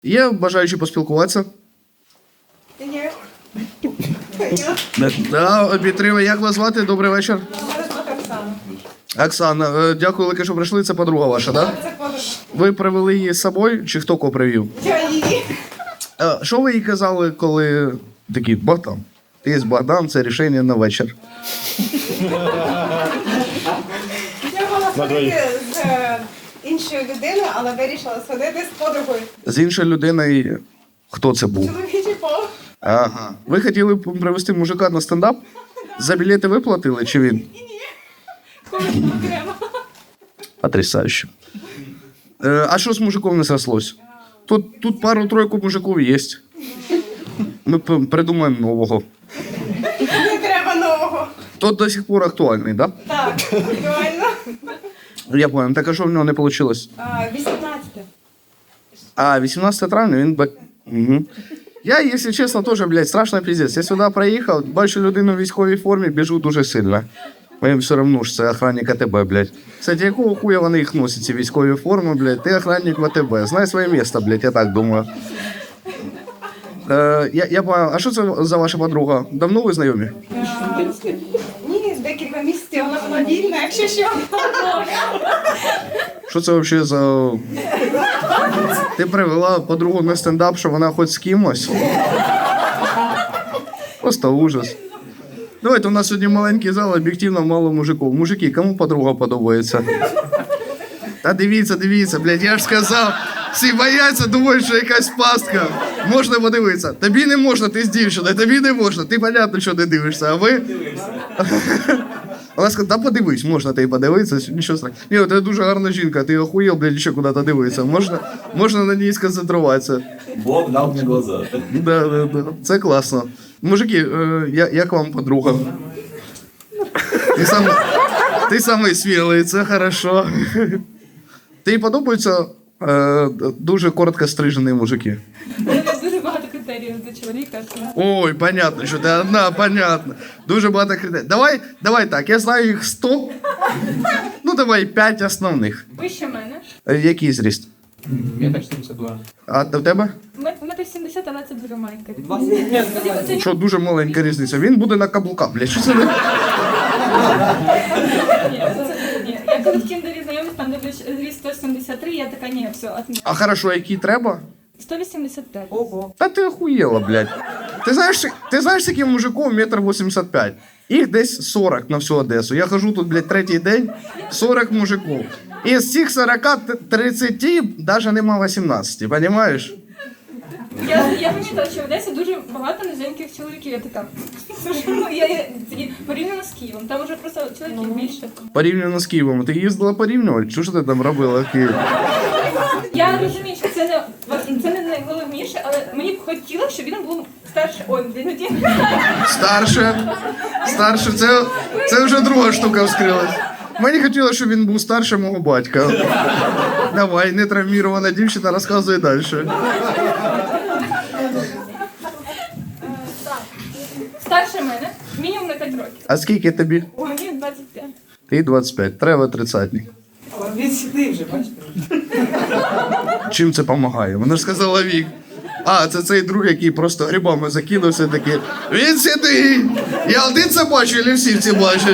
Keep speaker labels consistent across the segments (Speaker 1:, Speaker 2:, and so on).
Speaker 1: Є бажаючі поспілкуватися?
Speaker 2: Є.
Speaker 1: Да, підтримую. Як вас звати? Добрий вечір.
Speaker 2: Мене звати Оксана.
Speaker 1: Оксана, дякую велике, що прийшли. Це подруга ваша, так? Да?
Speaker 2: Це подруга.
Speaker 1: Ви привели її з собою, чи хто кого привів?
Speaker 2: Я її.
Speaker 1: Що ви їй казали, коли такі, Богдан, ти є Богдан, це рішення на вечір.
Speaker 2: Я була сходити з іншою людиною, але вирішила сходити з подругою.
Speaker 1: З іншою людиною, хто це був?
Speaker 2: Чоловічий пол.
Speaker 1: Ага. Ви хотіли привезти мужика на стендап? За білети виплатили, чи він?
Speaker 2: Коли окремо.
Speaker 1: Потрясающе. А що з мужиком не срослось? Тут пару-тройку мужиків є. Ми придумаємо нового.
Speaker 2: Не треба нового.
Speaker 1: Тот до сих пор актуальний, да?
Speaker 2: Так, актуально.
Speaker 1: Я понял. Так а що в нього не вийшло?
Speaker 2: 18.
Speaker 1: А, 18 травня він... Угу. Я, якщо чесно, теж, блядь, страшно пиздець. Я сюди приїхав, бачу людину в військовій формі, біжу дуже сильно. Мені все одно ж це охранник АТБ, блядь. Кстати, якого хуя вони їх носять, ці військові форми, блядь? Ти охранник в АТБ. Знай своє місце, блядь, я так думаю. Я понял. А що це за ваша подруга? Давно ви знайомі?
Speaker 2: Ні, з декілька місяців вона мобільна, якщо що.
Speaker 1: Що це взагалі за... Ти привела подругу на стендап, що вона хоч з кимось? Просто ужас. Давайте, у нас сьогодні маленький зал, об'єктивно мало мужиків. Мужики, кому подруга подобається? Та дивіться, блядь, я ж сказав. Всі бояться, думають, що якась пастка. Можна подивитися. Тобі не можна, ти з дівчиною, тобі не можна. Ти, понятно, що не дивишся, а ви... Вона сказала, та подивись, можна ти подивитися, нічого страшного. Ні, ти дуже гарна жінка, ти охуєл, блядь, ще куди-то дивитися. Можна на ній сконцентруватися.
Speaker 3: Бог дав мне глаза.
Speaker 1: Да. Це класно. Мужики, як вам подруга? Ти самий смілий, це хорошо. Тобі подобаються дуже коротко стрижені мужики?
Speaker 4: У мене дуже багато критеріїв до чоловіка.
Speaker 1: Ой, понятно, що ти одна, понятно. Дуже багато критерій. Давай так, я знаю їх 100. Ну, давай 5 основних.
Speaker 4: Вище мене.
Speaker 1: Який зріст?
Speaker 3: Метр 72.
Speaker 1: А в тебе?
Speaker 4: Метр 70, але це дуже маленька.
Speaker 1: Що, дуже маленька різниця. Він буде на каблуках, блядь. Що це?
Speaker 4: Ні. Я коли в Тіндері знайомлюсь, там дивлюсь зріст 173, я така, ні, все, отмі.
Speaker 1: А хорошо, який треба?
Speaker 4: 185.
Speaker 1: Та ти охуєла, блядь. Ти знаєш, яким мужиком 1,85 м? Їх десь 40 на всю Одесу. Я хожу тут, блядь, третій день, 40 мужиків. І з цих 40, 30 навіть нема 18, розумієш?
Speaker 4: Я помітила, що в Одесі дуже багато низеньких чоловіків. Я така, я порівняно з Києвом, там вже просто чоловіків більше.
Speaker 1: Порівняно з Києвом. Ти їздила порівнювати? Що ж ти там робила в Києві?
Speaker 4: Я розумію, що це не найголовніше, але мені б хотілося, щоб він був старший. Ой, блін,
Speaker 1: Старше, це вже друга штука вскрилась. Мені хотілося, щоб він був старше мого батька. Давай, нетравмірована дівчина, розказуй далі.
Speaker 4: Старше мене, мінімум на 5 років.
Speaker 1: А скільки тобі?
Speaker 4: Ой, мені 25.
Speaker 1: Ти 25, треба 30-ник.
Speaker 5: Він сюди вже, бачите?
Speaker 1: Чим це допомагає? Вона ж сказала вік. А, це цей друг, який просто грибами закинувся, такий, він сидить! Я один це бачу, чи всі це бачать?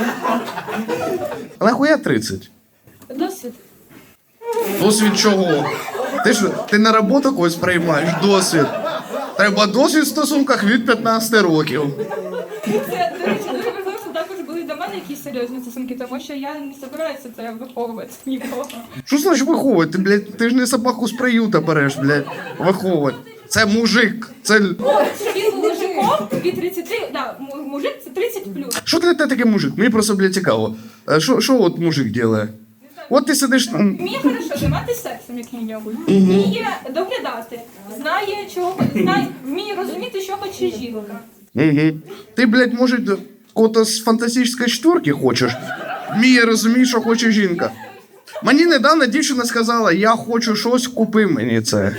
Speaker 1: А нахуя 30?
Speaker 4: Досвід.
Speaker 1: Досвід чого? Ти на роботу когось приймаєш? Досвід. Треба досвід в стосунках від 15 років.
Speaker 4: Це, до речі, дуже важливо, що також були до мене якісь серйозні стосунки, тому що я не збираюся це виховувати нікого.
Speaker 1: Що значить виховувати? Ти ж не собаку з приюта береш, блядь, виховувати. Це мужик, це...
Speaker 4: О, що він був мужиком від 30, да, мужик це 30 плюс.
Speaker 1: Що для тебе таке мужик? Мені просто, блядь, цікаво. Що от мужик робить? От ти сидиш...
Speaker 4: Вміє хорошо займатися сексом, як мінімум. Вміє доглядати, вміє розуміти, що хоче жінка.
Speaker 1: Ти, блядь, може, кого-то з фантастичної четверки хочеш? Вміє розуміти, що хоче жінка. Мені недавно дівчина сказала, я хочу щось, купи мені це.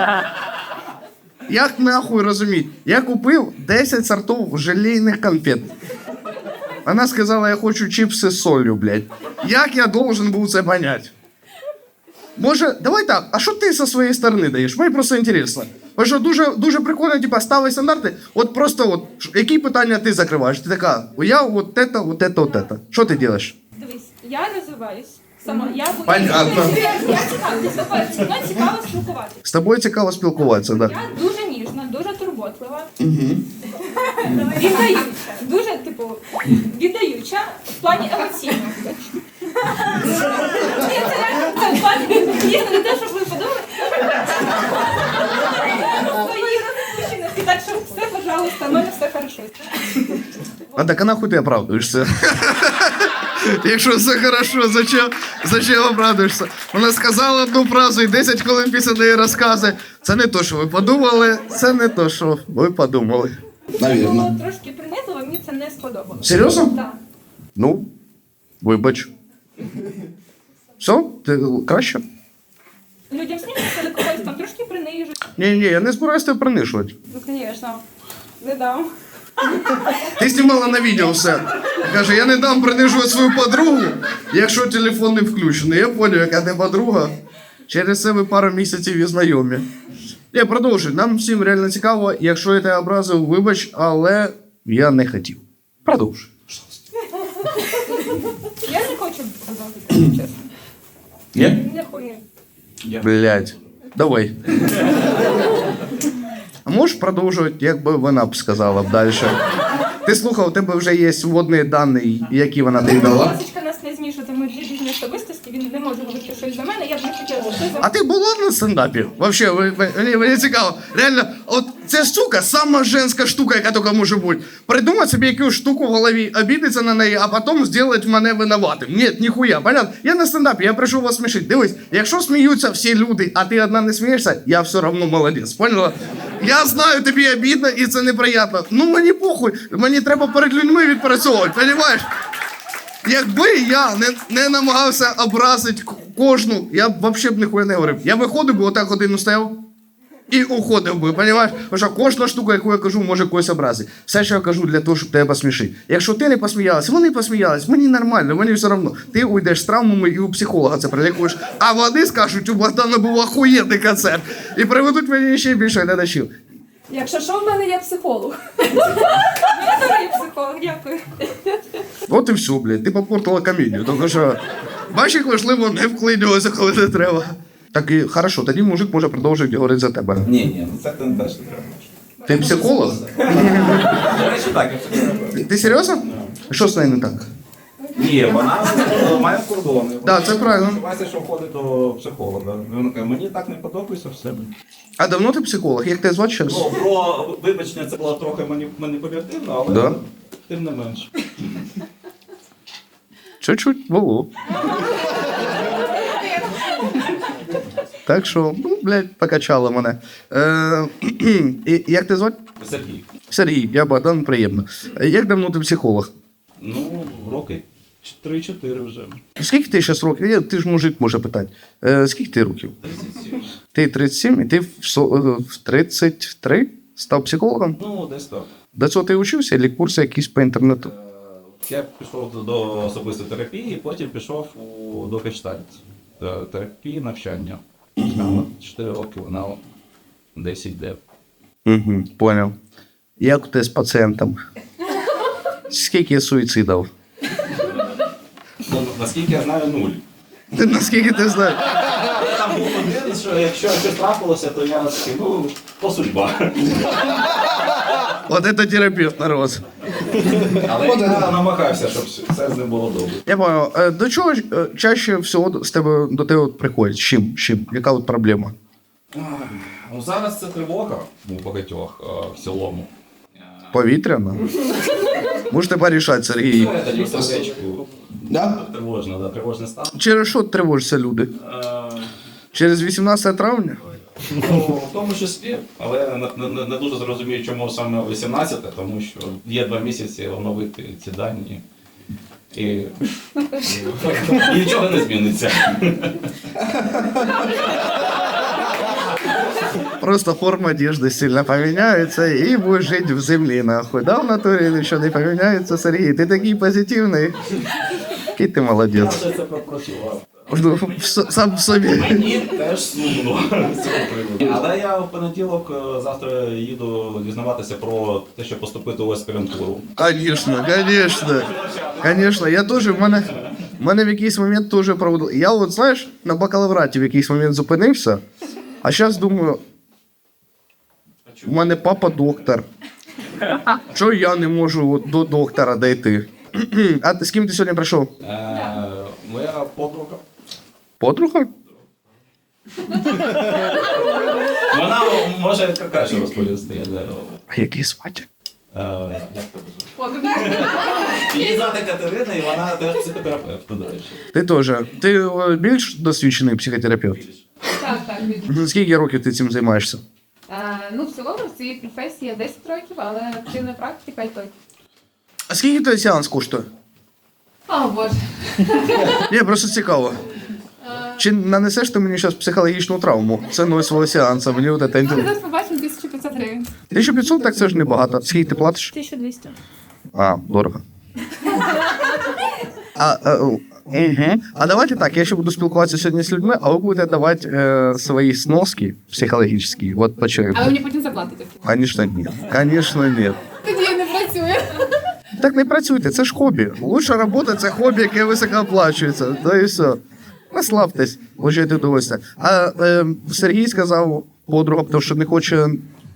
Speaker 1: Як нахуй розуміти? Я купив 10 сортів желейних конфет. Вона сказала, я хочу чипси з солью, блядь. Як я должен був це понять? Може, давай так, а що ти зі своєї сторони даєш? Мені просто інтересно. Бо що дуже прикольно, типа, ставить стандарти. От просто, які питання ти закриваєш? Ти така, я от це, от це, от це. Що ти робиш?
Speaker 4: Дивись, я розвиваюсь сама.
Speaker 1: Понятно.
Speaker 4: Я цікава, зі мною цікаво спілкуватися.
Speaker 1: З тобою цікаво спілкуватися, так. Да.
Speaker 4: Я дуже ніжна, дуже турботлива. Віддаюча. Дуже, типу, віддаюча в плані емоційного. Ні, це реально, це в плані ніжно, не те, щоб ви подумали. Свої розпущеності, так що все, пожалуйста, в мене все хорошо.
Speaker 1: А так а нахуй ти оправдуєшся? Якщо все хорошо, зачем оправдуєшся? Вона сказала одну фразу і 10 хвилин після неї розкази. Це не то, що ви подумали, це не то, що ви подумали.
Speaker 4: Це було трошки принизливо, мені це не сподобалося.
Speaker 1: Серйозно?
Speaker 4: Так.
Speaker 1: Ну, вибач. Все? Ти краще?
Speaker 4: Людям снігаються, але когось там трошки принижують.
Speaker 1: Ні, я не збираюся тебе принижувати.
Speaker 4: Ну, звісно, не дам.
Speaker 1: Ти знімала на відео все. Каже, я не дам принижувати свою подругу, якщо телефон не включений. Я поняв, яка ти подруга. Через це ви пару місяців і знайомі. Ні, продовжуй. Нам всім реально цікаво. Якщо я тебе образив, вибач, але я не хотів. Продовжуй.
Speaker 4: Я не хочу казати, чесно.
Speaker 1: Ні?
Speaker 4: Не хочу.
Speaker 1: Блядь. Давай. А можеш продовжувати, як би вона б сказала б далі? Ти слухав, у тебе вже є вводні дані, які вона тобі дала.
Speaker 4: Ласочка нас не змішувати, ми дві різні особистості, він не може говорити щось за мене, я б не хотіла, що за
Speaker 1: А ти була на стендапі? Вообще, мені цікаво. Реально, от ця штука, сама женська штука, яка тільки може бути. Придумати собі якусь штуку в голові, обідатися на неї, а потім зробити мене винуватим. Ні, ніхуя, понятно? Я на стендапі, я прийшов вас смішити. Дивись, якщо сміються всі люди, а ти одна не смієшся, я все одно молодець, поняла? Я знаю, тобі обідно і це неприємно. Ну мені похуй, мені треба перед людьми відпрацьовувати, розумієш? Якби я не намагався образити кожну, я б взагалі ніхуя не говорив. Я виходив би, отак годину стояв і уходив би, розумієш? Тому що кожна штука, яку я кажу, може когось образити. Все, що я кажу, для того, щоб тебе посмішити. Якщо ти не посміялась, вони посміялись, мені нормально, мені все одно. Ти уйдеш з травмами і у психолога це прилікуєш. А вони скажуть, у Богдана був охуєнний концерт. І приведуть мені ще більше глядачів.
Speaker 6: Якщо що, в мене є психолог.
Speaker 4: Я дорогий психолог, дякую.
Speaker 1: От і все, блядь, ти попортила комедію. Тому що, бачиш, як важливо не вклинюватися, коли не треба. Так і хорошо, тоді мужик може продовжувати говорити за тебе.
Speaker 3: Ні, це теж не треба.
Speaker 1: Ти психолог?
Speaker 3: До речі, так, я психолог.
Speaker 1: Ти серйозно? Що з нею не так?
Speaker 3: Ні, вона має кордони.
Speaker 1: Так, це правильно.
Speaker 3: Сподівається, що входить до психолога. Вона каже, мені так не подобається в себе.
Speaker 1: А давно ти психолог? Як тебе звати зараз?
Speaker 3: Ну, про вибачення це було трохи маніпулятивно, але
Speaker 1: Да?
Speaker 3: тим не менш.
Speaker 1: Чуть-чуть було. Так що, ну, блядь, покачало мене. І як ти звати?
Speaker 3: Сергій.
Speaker 1: Сергій, я Богдан, приємно. Як давно ти психолог?
Speaker 3: Ну, роки 3-4 вже.
Speaker 1: Скільки ти зараз років? Ти ж мужик може питати. Скільки ти років?
Speaker 3: 37.
Speaker 1: Ти 37 і ти в 33 став психологом?
Speaker 3: Ну, десь так.
Speaker 1: До цього ти вчився, або курси якісь по інтернету?
Speaker 3: Я пішов до особистої терапії, потім пішов до гештальт терапії навчання. 4 роки вона десь йде.
Speaker 1: Угу, понял. Як у тебе з пацієнтом? Скільки суїцидів?
Speaker 3: Ну, наскільки я знаю, 0.
Speaker 1: Ти наскільки ти знаєш?
Speaker 3: Там був один, що якщо щось трапилося, то я такий, ну, то судьба.
Speaker 1: От це терапевт, народ.
Speaker 3: Але я намагався, щоб все з ним було добре.
Speaker 1: Я понял. До чого чаще всього до тебе приходять? З чим? Яка от проблема?
Speaker 3: Ну, зараз це тривога у багатьох в цілому.
Speaker 1: Повітряна? Можете порішати, Сергій.
Speaker 3: Це тоді в сердечку. Тривожно, да, тривожний стан.
Speaker 1: Через що тривожаться люди? Через 18 травня?
Speaker 3: Ну, в тому числі, але не дуже зрозумію, чому саме 18, тому що є 2 місяці оновити ці дані. І нічого не зміниться.
Speaker 1: Просто форма одежды сильно поменяется, и будешь жить в земле, нахуй. Да, в натуре ничего не поменяется, Сергей? Ты такий позитивный. Який ти
Speaker 3: Я
Speaker 1: молодець.
Speaker 3: вже це пропрацював.
Speaker 1: Сам в собі.
Speaker 3: Мені теж сумно з цього приводу. Але я в понеділок завтра їду дізнаватися про те, щоб поступити у аспірантуру.
Speaker 1: Конечно, я теж, в мене в якийсь момент теж проводив. Я от, знаєш, на бакалавраті в якийсь момент зупинився, а зараз думаю, у мене папа доктор. Чого я не можу от до доктора дійти? А ти з ким ти сьогодні прийшов?
Speaker 3: Моя подруга.
Speaker 1: Подруга?
Speaker 3: Вона може краще розповісти.
Speaker 1: А який звати?
Speaker 3: Її звати Катерина, і вона теж психотерапевт, до речі.
Speaker 1: Ти теж. Ти більш досвідчений психотерапевт?
Speaker 6: Так.
Speaker 1: Скільки років ти цим займаєшся?
Speaker 6: Ну, в цілому в цій професії 10 років, але активна практика 5 років.
Speaker 1: А скільки той сеанс коштує?
Speaker 6: О, Боже.
Speaker 1: Ні, просто цікаво. Чи нанесеш ти мені зараз психологічну травму ціною свого сеансу? Мені от це
Speaker 6: Ну,
Speaker 1: інтересно.
Speaker 6: зараз побачимо 1500 гривень.
Speaker 1: 1500, так це ж небагато. Скільки ти платиш?
Speaker 4: 1200.
Speaker 1: А, дорого. А давайте так, я ще буду спілкуватися сьогодні з людьми, а ви будете давати свої сноски психологічні. От по чоловіку.
Speaker 6: Але мені потім заплатите.
Speaker 1: Конечно, ні. Конечно, ні.
Speaker 6: Тоді не працює.
Speaker 1: Так не працюйте, це ж хобі. Лучша робота це хобі, яке високо оплачується. То і все. Наслабтесь, получайте удовольствие. А Сергій сказав подруга, тому що не хоче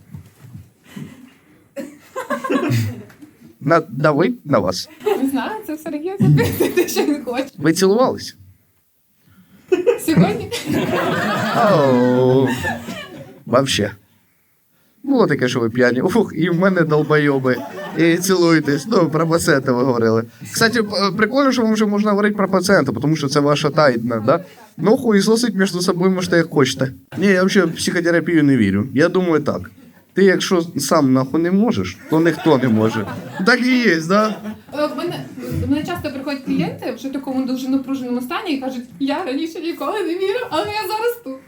Speaker 1: надавити на вас.
Speaker 6: Не знаю, це все регіон, ти що не хочеш.
Speaker 1: Ви цілувались?
Speaker 6: Сьогодні?
Speaker 1: Оу. Вообще. Було таке, що ви п'яні. Ух, і в мене долбойоби. І цілуєтесь. Ну, про пацієнта ви говорили. Кстати, прикольно, що вам вже можна говорити про пацієнта, тому що це ваша тайна, да? Ну, хуїсосить між собою можете як хочете. Ні, я взагалі в психотерапію не вірю. Я думаю так. Ти якщо сам нахуй не можеш, то ніхто не може. Так і є, да?
Speaker 6: До мене часто приходять клієнти вже в такому дуже напруженому стані і кажуть, я раніше ніколи не вірив, але я зараз тут.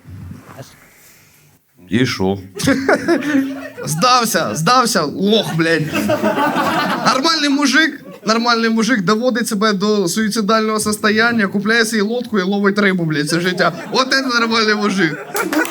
Speaker 1: І що? Здався, лох, блядь. Нормальний мужик доводить себе до суїцидального состояння, купляє собі лодку і ловить рибу, блядь, це життя. От це нормальний мужик.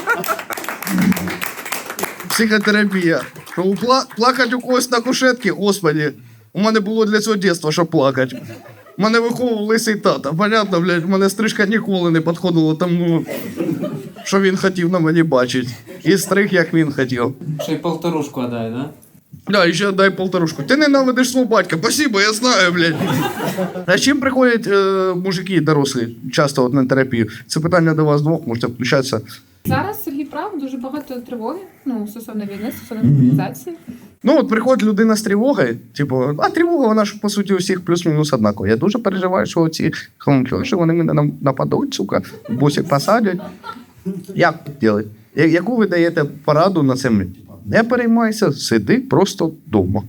Speaker 1: Психотерапія. Плакать у когось на кушетці, господи. У мене було для цього дитинства, щоб плакати. Мене виховував лисий тата. Понятно, блядь, в мене стрижка ніколи не підходила тому, що він хотів на мені бачити. І стриг, як він хотів.
Speaker 5: Ще й полторушку дай, да?
Speaker 1: Да, і ще дай полторушку. Ти ненавидиш свого батька. Спасибо, я знаю, блядь. А з чим приходять мужики дорослі часто от на терапію? Це питання до вас двох, можете включатися.
Speaker 6: Зараз Сергій прав, дуже багато тривоги, ну, стосовно війни, стосовно мобілізації.
Speaker 1: Ну, от приходить людина з тривогою, типу, а тривога, вона ж, по суті, у всіх плюс-мінус однакова. Я дуже переживаю, що ці хомки, що вони мене нападуть, сука, бусик посадять. Як робити? Яку ви даєте пораду на це? Не переймайся, сиди просто вдома.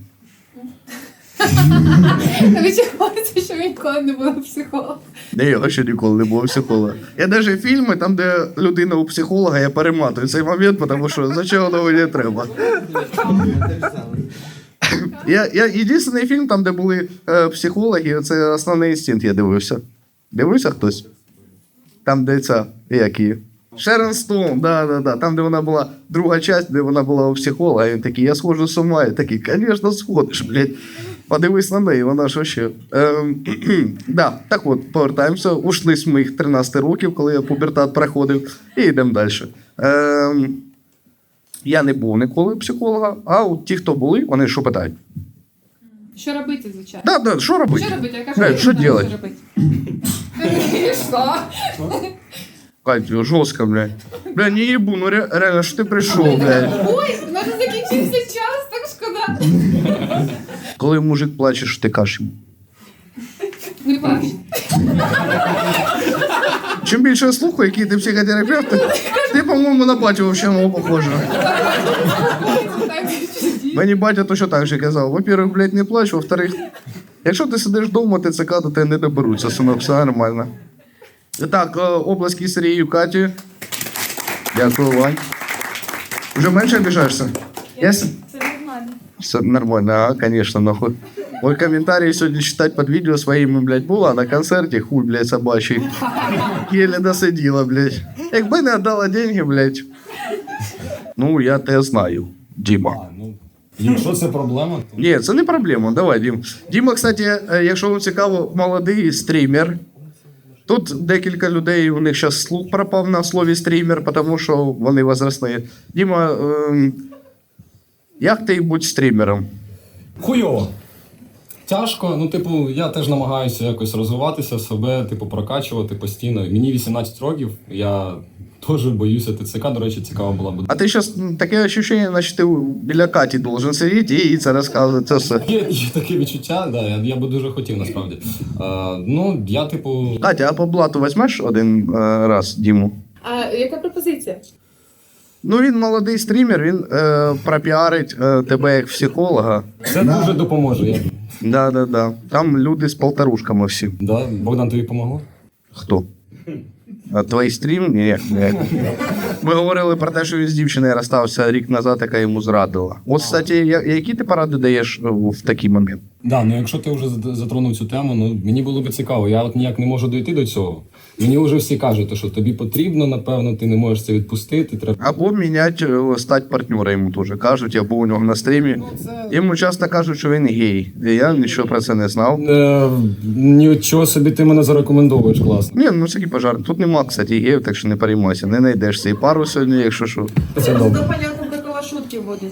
Speaker 6: Відчувається, що він ніколи не був психологом.
Speaker 1: Не, я ще ніколи не був психолога. Я навіть фільми, там, де людина у психолога, я перематую цей момент, тому що зачем воно мені треба. Я єдиний фільм, там, де були психологи, це «Основний інстинкт», я дивився. Дивився хтось? Там, де ця, як її? Шерон Стоун, да. Там, де вона була, друга частина, де вона була у психолога, і він такий, я схожу з ума. І такий, звісно, сходиш, блядь. Подивись на неї, вона ж вообще. Да, так от, повертаємося. Ушли з моїх 13 років, коли я пубертат проходив, і йдемо далі. Я не був ніколи психолога, а от ті, хто були, вони що питають?
Speaker 6: Що робити, звичайно?
Speaker 1: Да, що робити?
Speaker 6: Що робити? Я кажу,
Speaker 1: Що
Speaker 6: я не знаю,
Speaker 1: делать?
Speaker 6: що робити. І що?
Speaker 1: Катя, жорстко, блядь. Бля, не їбу, ну реально, що ти прийшов, блядь.
Speaker 6: Ой, у нас закінчився час, так шкода.
Speaker 1: Коли мужик плаче, що ти кажеш йому?
Speaker 6: Не плач.
Speaker 1: Чим більше я слухаю, який ти психотерапевт, ти, по-моєму, на батю взагалі мого похожа. Мені батя точно так же казав. Во-первых, блядь, не плач, во-вторых, якщо ти сидиш вдома, ТЦК, то тебе не доберуться, синок, все нормально. Так, обласки Сергію, Каті. Дякую, Вань. Вже менше обіжаєшся?
Speaker 4: Це нормально.
Speaker 1: Все нормально, а, конечно, нахуй. Мой комментарий сегодня читать под видео своими, блядь, була на концерте, хуй, блядь, собачий. Еле досиділа, блядь. Якби не віддала деньги, блядь. Ну, я те знаю, Діма.
Speaker 7: Ну, якщо це проблема, то
Speaker 1: Ні, це не проблема, давай, Дім. Діма, кстати, якщо вам цікаво, молодий стрімер. Тут декілька людей, у них зараз слух пропав на слові стрімер, тому що вони возрастні. Діма, як ти будь стрімером?
Speaker 7: хуйово. Тяжко, ну, типу, я теж намагаюся якось розвиватися, себе, типу, прокачувати постійно. Мені 18 років, я теж боюся ТЦК, до речі, цікаво була б.
Speaker 1: А ти зараз таке відчуття, наче ти біля Каті должен сидіти і їй це розказувати. Це все.
Speaker 7: Є таке відчуття, да, я би дуже хотів насправді. Ну, я, типу,
Speaker 1: Катя, а по блату візьмеш один раз Діму?
Speaker 6: А яка пропозиція?
Speaker 1: Ну, він молодий стрімер, він пропіарить тебе як психолога.
Speaker 7: це дуже допоможе.
Speaker 1: Да. Там люди з полторушками всі.
Speaker 7: Да? Богдан, тобі помогло?
Speaker 1: Хто? А твій стрім? Ні. Ми говорили про те, що він з дівчиною розстався рік назад, яка йому зрадила. От, кстати, які ти поради даєш в такий момент?
Speaker 7: Да, ну якщо ти вже затронув цю тему, ну мені було б цікаво. Я от ніяк не можу дойти до цього. Мені вже всі кажуть, що тобі потрібно, напевно, ти не можеш це відпустити. Треба.
Speaker 1: Або міняти, стати партнера йому теж кажуть, або у нього на стрімі. Йому часто кажуть, що він гей. І я нічого про це не знав.
Speaker 7: Нічого собі ти мене зарекомендовуєш, класно.
Speaker 1: Ні, ну це пожар. Тут нема, кстати, геїв, так що не переймайся. Не знайдеш і пару сьогодні, якщо що.
Speaker 7: Це добре.
Speaker 8: Такого шутки вводять.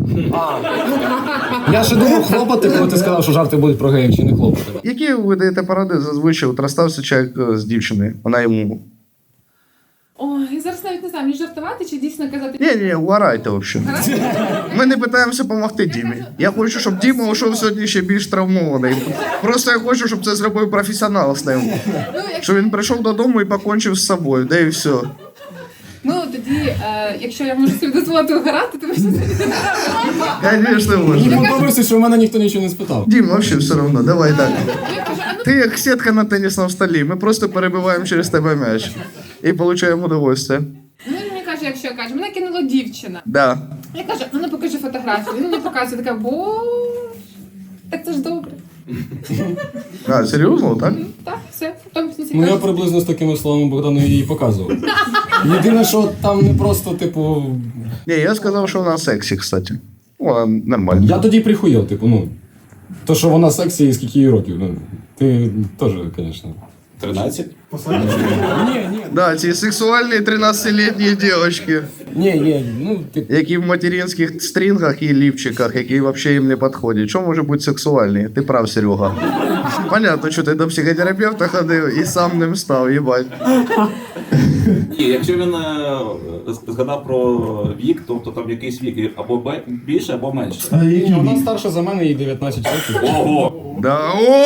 Speaker 7: Я ще думав хлопати, коли ти сказав, що жарти будуть про геїв чи не хлопати.
Speaker 1: Які ви даєте поради зазвичай? От розстався чоловік з дівчиною, вона йому...
Speaker 6: Ой, я зараз навіть не знаю, мені жартувати чи дійсно казати.
Speaker 1: Ні, угорайте взагалі. Ми не питаємося допомогти Дімі. Я хочу, щоб Діма йшов сьогодні ще більш травмований. Просто я хочу, щоб це зробив професіонал з ним. Щоб він прийшов додому і покончив з собою, де і все.
Speaker 6: Ну тоді, якщо я можу собі дозволити угорати, то ми
Speaker 1: Звісно,
Speaker 7: Мені
Speaker 1: можна.
Speaker 7: подобається, що в мене ніхто нічого не спитав.
Speaker 1: Дім, взагалі все одно, давай так.
Speaker 6: я кажу, а ну
Speaker 1: Ти як сітка на тенісному столі, ми просто перебиваємо через тебе м'яч. І отримуємо удовольствие.
Speaker 6: ну, він мені каже, якщо каже, мене кинула дівчина.
Speaker 1: Да.
Speaker 6: Я кажу, ну не покажи фотографію. Він мені показує, така, так це ж добре.
Speaker 1: А, серйозно, так?
Speaker 6: Так, все. Потім
Speaker 7: Ну я приблизно з такими словами Богдану її показував. Єдине, що там не просто, типу.
Speaker 1: Ні, я сказав, що вона сексі, кстати. Вона нормально.
Speaker 7: Я тоді прихуєв, типу, ну. То, що вона сексі і скільки їй років. Ну, ти теж, звісно.
Speaker 3: 13?
Speaker 7: Ні,
Speaker 1: Да, ці сексуальні 13-літні дівчатки,
Speaker 7: ну, типу.
Speaker 1: які в материнських стрінгах і лівчиках, які взагалі їм не підходять. Що може бути сексуальні? Ти прав, Серега. Понятно, що ти до психотерапевта ходив і сам ним став, їбать.
Speaker 3: Ні, якщо він згадав про вік, тобто там якийсь вік або більше, або менше.
Speaker 7: Ні, вона старша за мене, їй 19 років.
Speaker 3: Ого!
Speaker 1: Да. О!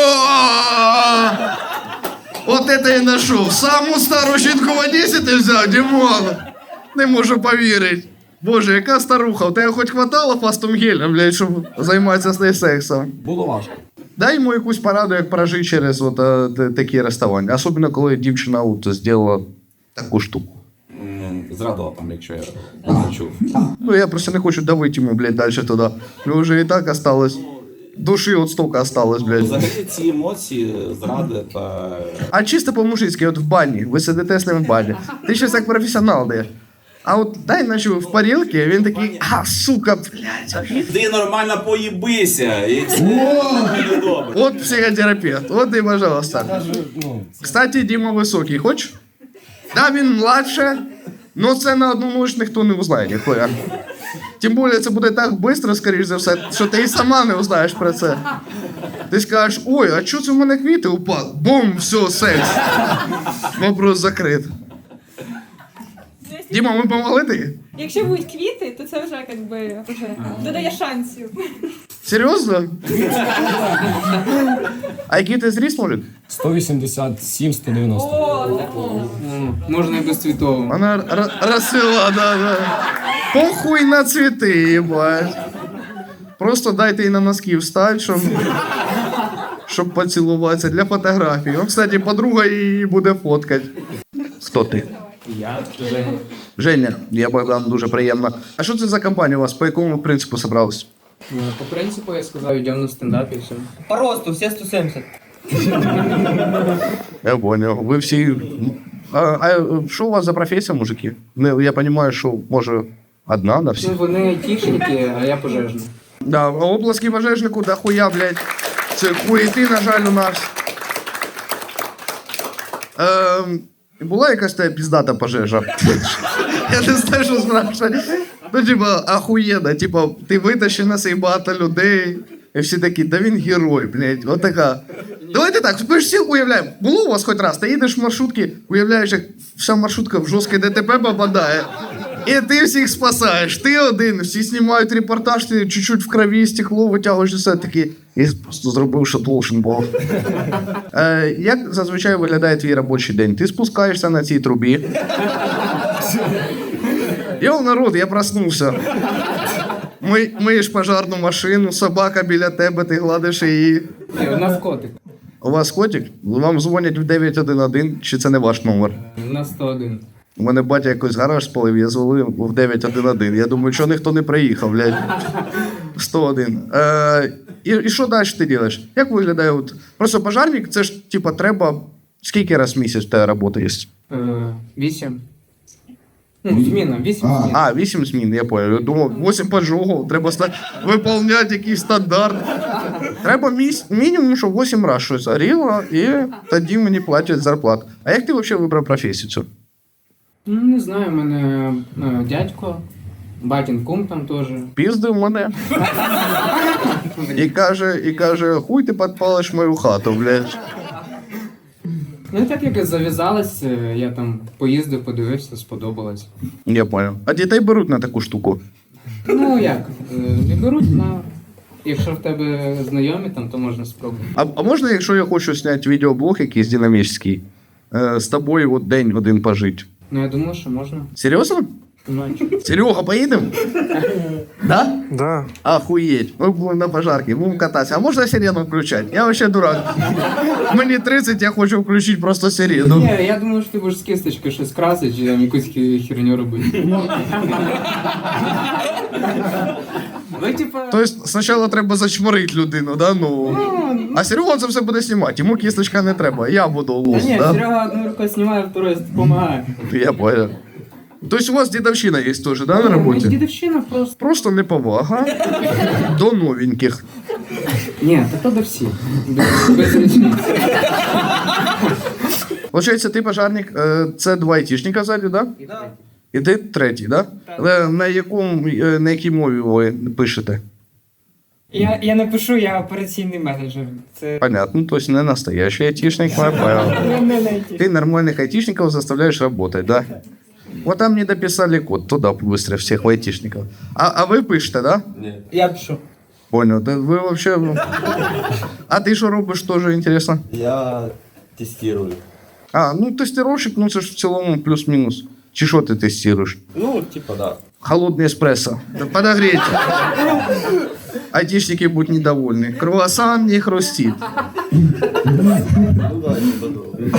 Speaker 1: От це і знайшов. Саму стару жінку в Одесі ти взяв, Дімон. Не можу повірити. Боже, яка старуха, у тебе хоч хватало фастом гелем, блядь, щоб займатися з нею сексом.
Speaker 7: Було важко.
Speaker 1: Дай йому якусь пораду, як прожити через такі розставання. Особливо, коли дівчина зробила таку штуку.
Speaker 3: Зрадила там, якщо я не чув.
Speaker 1: Ну, я просто не хочу давити йому, блядь, далі туди. Ну, вже і так осталось. Душі от стільки осталось, блядь.
Speaker 3: Взагалі ці емоції, зради та...
Speaker 1: А чисто по-мужицьки, от в бані, ви сидите з ним в бані. Ти щось як професіонал даєш. А от дай, наче в парілки, він такий, сука, блядь.
Speaker 3: Ти нормально поїбися, і все буде добре.
Speaker 1: От психотерапевт, от і, пожалуйста.
Speaker 7: Каже, ну,
Speaker 1: Кстати, Діма високий, хочеш? Да, він младше, но це на одну ніч ніхто не узнає, ніхуя. Тим більше це буде так швидко, скоріш за все, що ти і сама не узнаєш про це. Ти скажеш, ой, а чого це в мене квіти упали? Бум, все, секс. Вопрос закрит. Діма, ми помогли тобі?
Speaker 4: Якщо будуть квіти, то це вже вже додає шансів.
Speaker 1: Серйозно? А який ти зріс, Молік?
Speaker 7: 187-190.
Speaker 5: Можна і без цвітового.
Speaker 1: Вона розцвіла, да. Похуй на цвіти, їбать. Просто дайте їй на носки встать, щоб поцілуватися для фотографії. Он, кстати, подруга її буде фоткати. Хто ти?
Speaker 5: Я Женя.
Speaker 1: Женя, я Богдан, дуже приємно. А що це за компанія у вас? По якому принципу зібрались?
Speaker 5: По принципу я сказав, йдемо на стендап і все.
Speaker 8: По росту, все 170.
Speaker 1: Я понял. Ви всі. А що у вас за професія, мужики? Ну, я розумію, що може одна на всіх.
Speaker 5: Ну, вони айтішники, а я пожежний.
Speaker 1: Да, оплески пожежнику, да хуя, блядь. Це хуєти, на жаль, у нас. Була якась та піздата пожежа? Я не знаю, що спрашивати. Ну, типа, ахуєнно, типа, ти витащив на себе багато людей, і всі такі, да він герой, блядь, от така. Давайте так, ми ж всі уявляємо, було у вас хоч раз, ти їдеш в маршрутці, уявляєш, як вся маршрутка в жорстке ДТП попадає, і ти всіх спасаєш, ти один, всі знімають репортаж, ти чуть-чуть в крові, стекло витягуєш і все таки, і просто зробив, що должен був. Як зазвичай виглядає твій робочий день? Ти спускаєшся на цій трубі. Йоу, народ, я проснувся. Миєш пожарну машину, собака біля тебе, ти гладиш її.
Speaker 5: Ні, у нас котик.
Speaker 1: У вас котик? Вам дзвонять в 911, чи це не ваш номер?
Speaker 5: У нас 101.
Speaker 1: У мене батя якось гараж спалив, я дзвонив в 911. Я думаю, що ніхто не приїхав, блядь. 101. І що далі ти робиш? Як виглядає? От? Просто пожарник, це ж, типа, треба... Скільки раз в місяць в тебе робота є?
Speaker 5: 8. Ну, зміна, 8 змін.
Speaker 1: 8 змін, я понял. Я думав, 8 поджогів, треба виповняти якийсь стандарт. Треба мінімум, щоб 8 разів щось горіло, і тоді мені платять зарплату. А як ти взагалі вибрав професію цю?
Speaker 5: Ну, не знаю, в мене дядько, батін кум там теж.
Speaker 1: Піздив мене. І каже, хуй ти підпалиш мою хату, блядь.
Speaker 5: Ну, і так як зав'язалось, я там поїздив, подивився, сподобалось.
Speaker 1: Я понял. А дітей беруть на таку штуку?
Speaker 5: Ну, як, не беруть, якщо в тебе знайомі там, то можна спробувати.
Speaker 1: А можна, якщо я хочу зняти відеоблог якийсь динамічний, з тобою от день один пожити?
Speaker 5: Ну, я думаю, що можна.
Speaker 1: Серйозно?
Speaker 5: Ну,
Speaker 1: Серега, поїдемо? Да?
Speaker 9: Да.
Speaker 1: Охуеть. Мы будем на пожарке, будем кататься. А можно сирену включать? Я вообще дурак. Мені 30, я хочу включити просто сирену.
Speaker 5: ні, я думаю, що ти будеш з кисточкою щось красити, чи там якусь херню робити. Ви, типа...
Speaker 1: Тобто спочатку треба зачморити людину, да? Ну. А Серега це все буде знімати, йому кісточка не треба, я буду лус,
Speaker 5: Ні,
Speaker 1: да?
Speaker 5: Серега одну рукою знімає, второю допомагає.
Speaker 1: Я понял. Тобто у вас дідовщина є теж, да, на роботі?
Speaker 5: Дідовщина просто.
Speaker 1: Просто неповага до новеньких.
Speaker 5: Ні, то до всіх. Без річниць.
Speaker 1: Получається, ти пожарник, це два айтішника ззаді, да?
Speaker 8: Да.
Speaker 1: І ти третій, да? Але на якій мові ви пишете?
Speaker 8: Я не пишу, я операційний менеджер. Це
Speaker 1: Понятно, то есть не настоящий айтишник, я понял. Ты нормальных айтишников заставляешь работать, да? Вот там не дописали код, туда быстро всех айтишников. А вы пишете, да?
Speaker 8: я пишу.
Speaker 1: Понял, да вы вообще... А ты что робишь, тоже интересно?
Speaker 10: Я тестирую.
Speaker 1: Ну тестировщик, ну це ж в цілому плюс-мінус. Чи що ти тестируешь?
Speaker 10: Ну, типа, да.
Speaker 1: Холодный эспрессо. Да подогреть. Айтишники будут недовольны. Круассан не хрустит.
Speaker 10: Ну да, типа, да.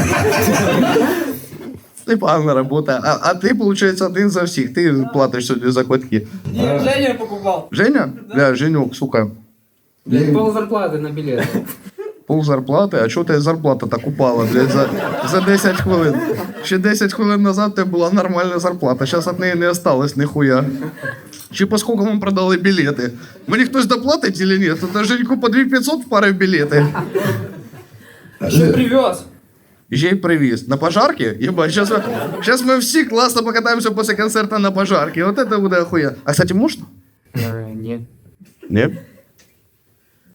Speaker 1: Непогана робота. А ти, виходить, один за всіх. Ти платиш сьогодні за квитки.
Speaker 8: Женя покупав.
Speaker 1: Женя? Бля, Женюк, сука.
Speaker 5: Пол зарплати на білет.
Speaker 1: Пол зарплати? А чого тебе зарплата так упала, блядь, за 10 хвилин? Ще 10 хвилин назад тебе була нормальна зарплата. Зараз від неї не осталось ніхуя. Чи по скільки вам продали білети? Мені хтось доплатить чи ні? Тут на Женьку по 2500 впарив білети.
Speaker 8: Що привез?
Speaker 1: Ще й привіз. На пожарки? Єбать, сейчас ми всі класно покатаємося після концерту на пожарки. Вот это буде охуя. А, кстати, можна?
Speaker 5: Ні.
Speaker 1: Ні?